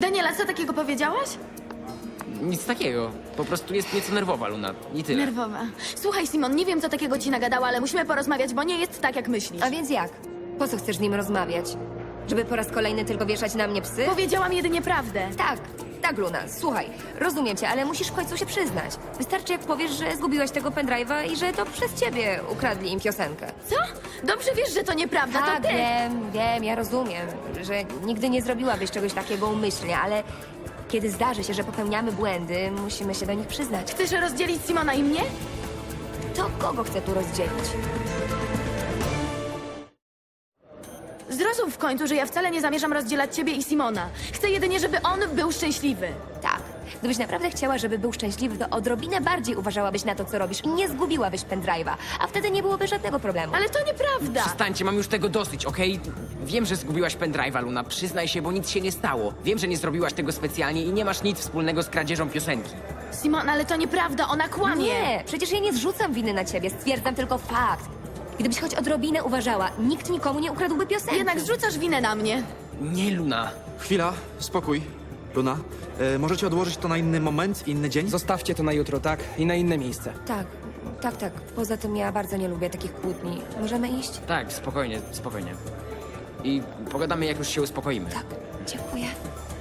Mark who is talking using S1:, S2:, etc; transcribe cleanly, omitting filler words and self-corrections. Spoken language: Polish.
S1: Daniela, co takiego powiedziałaś?
S2: Nic takiego. Po prostu jest nieco nerwowa, Luna. I tyle.
S1: Nerwowa. Słuchaj, Simon, nie wiem, co takiego ci nagadała, ale musimy porozmawiać, bo nie jest tak, jak myślisz.
S3: A więc jak? Po co chcesz z nim rozmawiać? Żeby po raz kolejny tylko wieszać na mnie psy?
S1: Powiedziałam jedynie prawdę.
S3: Tak, Luna, słuchaj, rozumiem cię, ale musisz w końcu się przyznać. Wystarczy, jak powiesz, że zgubiłaś tego pendrive'a i że to przez ciebie ukradli im piosenkę.
S1: Co? Dobrze wiesz, że to nieprawda,
S3: Tak,
S1: to ty.
S3: wiem, ja rozumiem, że nigdy nie zrobiłabyś czegoś takiego umyślnie, ale kiedy zdarzy się, że popełniamy błędy, musimy się do nich przyznać.
S1: Chcesz rozdzielić Simona i mnie?
S3: To kogo chcę tu rozdzielić?
S1: Zrozum w końcu, że ja wcale nie zamierzam rozdzielać ciebie i Simona. Chcę jedynie, żeby on był szczęśliwy.
S3: Tak. Gdybyś naprawdę chciała, żeby był szczęśliwy, to odrobinę bardziej uważałabyś na to, co robisz i nie zgubiłabyś pendrive'a, a wtedy nie byłoby żadnego problemu.
S1: Ale to nieprawda.
S2: Przestańcie, mam już tego dosyć, okej? Wiem, że zgubiłaś pendrive'a, Luna. Przyznaj się, bo nic się nie stało. Wiem, że nie zrobiłaś tego specjalnie i nie masz nic wspólnego z kradzieżą piosenki.
S1: Simon, ale to nieprawda, ona kłamie.
S3: Nie, przecież ja nie zrzucam winy na ciebie, stwierdzam tylko fakt. Gdybyś choć odrobinę uważała, nikt nikomu nie ukradłby piosenki.
S1: Jednak zrzucasz winę na mnie.
S2: Nie, Luna.
S4: Chwila, spokój. Luna, możecie odłożyć to na inny moment, inny dzień?
S5: Zostawcie to na jutro, tak? I na inne miejsce.
S3: Tak. Poza tym ja bardzo nie lubię takich kłótni. Możemy iść?
S2: Tak, spokojnie. I pogadamy, jak już się uspokoimy.
S3: Tak, dziękuję.